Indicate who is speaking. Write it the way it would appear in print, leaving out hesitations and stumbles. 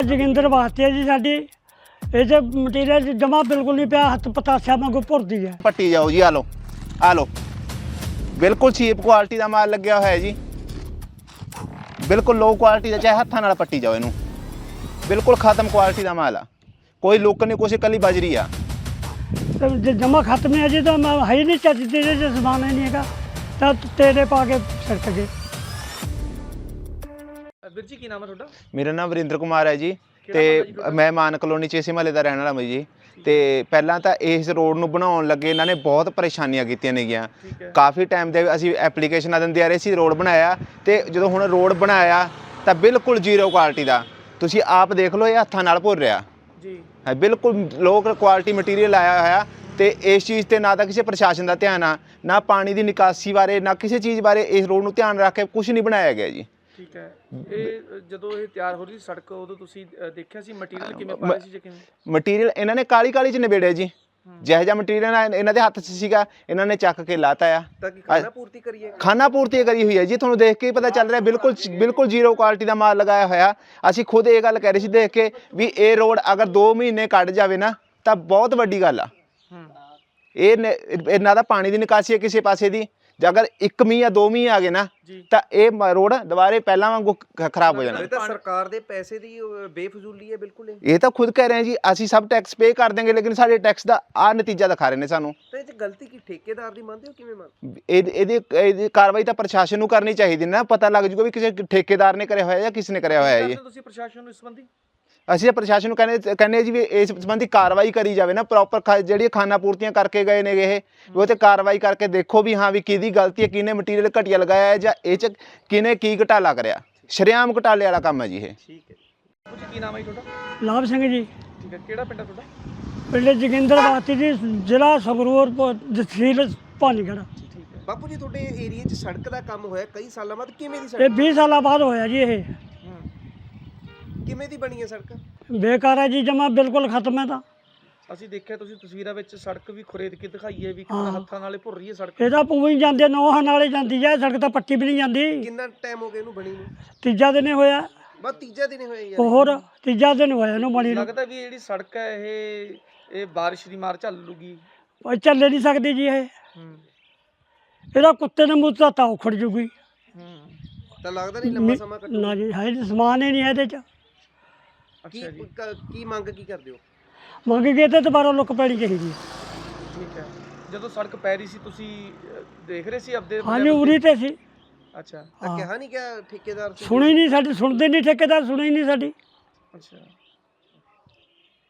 Speaker 1: जोगिंदर वास्ते है जी साडी ये मटीरियल जमा बिल्कुल नहीं पिया हथ पतासा वांगू भुरदी है।
Speaker 2: पट्टी जाओ जी, आ लो बिल्कुल चीप क्वालिटी का माल लग्या होया है जी, बिल्कुल लो क्वालिटी का, चाहे हत्थां नाल पट्टी जाओ इनू, बिल्कुल खत्म क्वालिटी का माल आ, कोई लुक नहीं, कुछ कली बजरी आ।
Speaker 1: तो जमा खत्म है जी, तो मैं है ही नहीं चलती जो समान ही नहीं है तो तेरे पा के सड़क गए।
Speaker 3: ਵੀਰ ਜੀ ਕੀ ਨਾਮ ਹੈ ਤੁਹਾਡਾ?
Speaker 2: मेरा नाम वरिंदर कुमार है जी, ਤੇ ਮੈਂ ਮਾਨ ਕਲੋਨੀ 'ਚ ਇਸੇ ਮਹੱਲੇ ਦਾ ਰਹਿਣ ਵਾਲਾ ਮੈਂ ਜੀ। ਤੇ ਪਹਿਲਾਂ ਤਾਂ ਇਸ ਰੋਡ ਨੂੰ ਬਣਾਉਣ ਲੱਗੇ ਇਹਨਾਂ ਨੇ ਬਹੁਤ ਪਰੇਸ਼ਾਨੀਆਂ ਕੀਤੀਆਂ ਨੇਗੀਆਂ, ਕਾਫੀ ਟਾਈਮ ਦੇ ਅਸੀਂ ਐਪਲੀਕੇਸ਼ਨਾਂ ਦਿੰਦੇ ਆ ਰਹੇ ਸੀ, ਰੋਡ ਬਣਾਇਆ ਤੇ ਜਦੋਂ ਹੁਣ ਰੋਡ ਬਣਾਇਆ ਤਾਂ ਬਿਲਕੁਲ ਜ਼ੀਰੋ ਕੁਆਲਿਟੀ ਦਾ, ਤੁਸੀਂ ਆਪ ਦੇਖ ਲਓ, ਇਹ ਹੱਥਾਂ ਨਾਲ ਭੁਰ ਰਿਹਾ ਜੀ ਹੈ, ਬਿਲਕੁਲ ਲੋ ਕੁਆਲਿਟੀ ਮਟੀਰੀਅਲ ਆਇਆ ਹੋਇਆ। ਤੇ ਇਸ ਚੀਜ਼ ਤੇ ਨਾ ਤਾਂ ਕਿਸੇ ਪ੍ਰਸ਼ਾਸਨ ਦਾ ਧਿਆਨ ਆ, ਨਾ ਪਾਣੀ ਦੀ ਨਿਕਾਸੀ ਬਾਰੇ, ਨਾ ਕਿਸੇ ਚੀਜ਼ ਬਾਰੇ ਇਸ ਰੋਡ ਨੂੰ ਧਿਆਨ ਰੱਖ ਕੇ ਕੁਝ ਨਹੀਂ ਬਣਾਇਆ ਗਿਆ ਜੀ।
Speaker 3: ਠੀਕ ਹੈ, ਇਹ ਜਦੋਂ ਇਹ ਤਿਆਰ ਹੋ ਰਹੀ ਸੀ ਸੜਕ, ਉਦੋਂ ਤੁਸੀਂ ਦੇਖਿਆ ਸੀ ਮਟੀਰੀਅਲ ਕਿਵੇਂ ਪਾ ਰਹੇ ਸੀ ਜਾਂ ਕਿਵੇਂ?
Speaker 2: ਮਟੀਰੀਅਲ ਇਹਨਾਂ ਨੇ ਕਾਲੀ ਕਾਲੀ 'ਚ ਨਿਬੇੜਿਆ ਜੀ, ਜਿਹੋ ਜਿਹਾ ਮਟੀਰੀਅਲ ਇਹਨਾਂ ਦੇ ਹੱਥ 'ਚ ਸੀਗਾ ਇਹਨਾਂ ਨੇ ਚੱਕ ਕੇ ਲਾਤਾ ਆ।
Speaker 3: ਤਾਂ ਕਿ ਖਾਣਾ ਪੂਰਤੀ ਕਰੀਏ,
Speaker 2: ਖਾਣਾ ਪੂਰਤੀ ਕਰੀ ਹੋਈ ਹੈ ਜੀ, ਤੁਹਾਨੂੰ ਦੇਖ ਕੇ ਹੀ ਪਤਾ ਚੱਲ ਰਿਹਾ, ਬਿਲਕੁਲ ਜ਼ੀਰੋ ਕੁਆਲਿਟੀ ਦਾ ਮਾਲ ਲਗਾਇਆ ਹੋਇਆ। ਅਸੀਂ ਖੁਦ ਇਹ ਗੱਲ ਕਹਿ ਰਹੇ ਸੀ ਦੇਖ ਕੇ ਵੀ ਇਹ ਰੋਡ ਅਗਰ 2 ਮਹੀਨੇ ਕੱਢ ਜਾਵੇ ਨਾ ਤਾਂ ਬਹੁਤ ਵੱਡੀ ਗੱਲ ਆ। ਇਹ ਇਹਨਾਂ ਦਾ ਪਾਣੀ ਦੀ ਨਿਕਾਸੀ ਹੈ ਕਿਸੇ ਪਾਸੇ ਦੀ, ਜੇ ਅਗਰ 1 ਮੀਂਹ ਜਾਂ 2 ਮੀਂਹ ਆ ਗਏ ਨਾ ਤਾਂ ਇਹ ਰੋਡ ਦੁਬਾਰੇ ਪਹਿਲਾਂ ਵਾਂਗੂ ਖਰਾਬ ਹੋ ਜਾਣਾ।
Speaker 4: ਇਹ ਤਾਂ ਸਰਕਾਰ ਦੇ ਪੈਸੇ ਦੀ ਬੇਫਜ਼ੂਲੀ ਹੈ ਬਿਲਕੁਲ।
Speaker 2: ਇਹ ਤਾਂ ਖੁਦ ਕਹਿ ਰਹੇ ਜੀ, ਅਸੀਂ ਸਭ ਟੈਕਸ ਪੇ ਕਰ ਦੇਂਗੇ, ਲੇਕਿਨ ਸਾਡੇ ਟੈਕਸ ਦਾ ਆ ਨਤੀਜਾ ਦਿਖਾ ਰਹੇ ਨੇ ਸਾਨੂੰ।
Speaker 4: ਤਾਂ ਇਹ 'ਚ ਗਲਤੀ ਕੀ ਠੇਕੇਦਾਰ ਦੀ ਮੰਨਦੇ ਹੋ, ਕਿਵੇਂ ਮੰਨਦੇ?
Speaker 2: ਇਹਦੀ ਕਾਰਵਾਈ ਤਾਂ ਪ੍ਰਸ਼ਾਸਨ ਨੂੰ ਕਰਨੀ ਚਾਹੀਦੀ ਨਾ, ਪਤਾ ਲੱਗ ਜੂਗਾ ਵੀ ਕਿਸੇ ਠੇਕੇਦਾਰ ਨੇ ਕਰਿਆ ਹੋਇਆ ਜਾਂ ਕਿਸ ਨੇ ਕਰਿਆ ਹੋਇਆ ਹੈ।
Speaker 3: ਤੁਸੀਂ ਪ੍ਰਸ਼ਾਸਨ ਨੂੰ ਇਸ ਸੰਬੰਧੀ?
Speaker 2: ਅਸੀਂ ਪ੍ਰਸ਼ਾਸਨ ਨੂੰ ਕਹਿੰਦੇ ਜੀ ਵੀ ਇਸ ਸੰਬੰਧੀ ਕਾਰਵਾਈ ਕਰੀ ਜਾਵੇ ਨਾ, ਪ੍ਰੋਪਰ ਜਿਹੜੀਆਂ ਖਾਨਾ ਪੂਰਤੀਆਂ ਕਰਕੇ ਗਏ ਨੇ ਇਹ, ਉਹ ਤੇ ਕਾਰਵਾਈ ਕਰਕੇ ਦੇਖੋ ਵੀ ਹਾਂ ਵੀ ਕਿਹਦੀ ਗਲਤੀ ਹੈ, ਕਿਹਨੇ ਮਟੀਰੀਅਲ ਘਟੀਆ ਲਗਾਇਆ ਹੈ ਜਾਂ ਇਹ 'ਚ ਕਿਹਨੇ ਕੀ ਘਟਾਲਾ ਕਰਿਆ। ਸ਼ਰੇਆਮ ਘਟਾਲੇ ਵਾਲਾ ਕੰਮ ਹੈ ਜੀ ਇਹ।
Speaker 3: ਠੀਕ ਹੈ ਜੀ, ਕੀ ਨਾਮ ਹੈ ਤੁਹਾਡਾ?
Speaker 1: ਲਾਭ ਸਿੰਘ ਜੀ।
Speaker 3: ਠੀਕ ਹੈ, ਕਿਹੜਾ ਪਿੰਡ ਹੈ ਤੁਹਾਡਾ?
Speaker 1: ਪਿੰਡ जोगिंदर वास्ते जी, ਜ਼ਿਲ੍ਹਾ ਸੰਗਰੂਰ, ਤਹਿਸੀਲ ਭਾਨੀਗੜ੍ਹ।
Speaker 3: ਠੀਕ ਹੈ
Speaker 4: ਬਾਪੂ ਜੀ, ਤੁਹਾਡੇ ਏਰੀਆ 'ਚ ਸੜਕ ਦਾ ਕੰਮ ਹੋਇਆ ਕਈ ਸਾਲਾਂ ਬਾਅਦ, ਕਿਵੇਂ ਦੀ
Speaker 1: ਇਹ
Speaker 4: ਸੜਕ,
Speaker 1: 20 ਸਾਲਾਂ ਬਾਅਦ ਹੋਇਆ ਜੀ। ਇਹ
Speaker 4: ਕਿਵੇਂ ਦੀ ਬਣੀ ਹੈ ਸੜਕ?
Speaker 1: ਬੇਕਾਰ ਹੈ ਜੀ, ਜਮਾ ਬਿਲਕੁਲ ਖਤਮ ਹੈ। ਤਾਂ
Speaker 3: ਅਸੀਂ ਦੇਖਿਆ ਤੁਸੀਂ ਤਸਵੀਰਾਂ ਵਿੱਚ ਸੜਕ ਵੀ ਖੁਰੇਦ ਕੇ ਦਿਖਾਈ ਹੈ ਵੀ ਹੱਥਾਂ ਨਾਲੇ ਭੁਰ ਰਹੀ ਹੈ ਸੜਕ।
Speaker 1: ਇਹਦਾ ਪੂਰੀ ਜਾਂਦੇ ਨੋਹਾਂ ਨਾਲੇ ਜਾਂਦੀ ਹੈ ਸੜਕ, ਤਾਂ ਪੱਟੀ ਵੀ ਨਹੀਂ ਜਾਂਦੀ।
Speaker 4: ਕਿੰਨਾ ਟਾਈਮ ਹੋ ਗਿਆ ਇਹਨੂੰ ਬਣੀ ਨੂੰ?
Speaker 1: ਤੀਜਾ ਦਿਨ ਹੋਇਆ।
Speaker 4: ਬਸ ਤੀਜਾ ਦਿਨ ਹੋਇਆ ਯਾਰ।
Speaker 1: ਹੋਰ ਤੀਜਾ ਦਿਨ ਹੋਇਆ ਇਹਨੂੰ ਬਣੀ ਨੂੰ।
Speaker 3: ਲੱਗਦਾ ਵੀ ਜਿਹੜੀ ਸੜਕ ਹੈ ਇਹ ਬਾਰਿਸ਼ ਦੀ ਮਾਰ ਝੱਲ ਲੂਗੀ?
Speaker 1: ਉਹ ਚੱਲੇ ਨਹੀਂ ਸਕਦੀ ਜੀ ਇਹ। ਇਹਦਾ ਕੁੱਤੇ ਨੇ ਮੂੰਹ ਤਾਂ ਉਖੜ ਜੂਗੀ।
Speaker 4: ਤਾਂ ਲੱਗਦਾ ਨਹੀਂ ਲੰਮਾ ਸਮਾਂ ਕੱਟੂ?
Speaker 1: ਨਾ ਜੀ, ਹੈ ਸਮਾਨ ਹੀ ਨਹੀਂ ਇਹਦੇ 'ਚ।
Speaker 4: ਕੀ ਮੰਗ ਕੀ ਕਰਦੇ ਹੋ?
Speaker 1: ਮੰਗ ਕੇ ਤੇ ਦੁਬਾਰਾ ਲੁੱਕ ਪੈਣੀ ਚਾਹੀਦੀ।
Speaker 3: ਠੀਕ ਹੈ, ਜਦੋਂ ਸੜਕ ਪੈ ਰਹੀ ਸੀ ਤੁਸੀਂ ਦੇਖ ਰਹੇ ਸੀ ਆਪਦੇ?
Speaker 1: ਹਾਂਜੀ, ਉਰੀ ਤੇ ਸੀ।
Speaker 3: ਅੱਛਾ,
Speaker 4: ਤਾਂ ਕਿਹਾ ਨਹੀਂ ਕਿ ਠੇਕੇਦਾਰ
Speaker 1: ਸੁਣੀ ਨਹੀਂ ਸਾਡੀ, ਸੁਣਦੇ ਨਹੀਂ ਠੇਕੇਦਾਰ, ਸੁਣੀ ਨਹੀਂ ਸਾਡੀ।
Speaker 3: ਅੱਛਾ।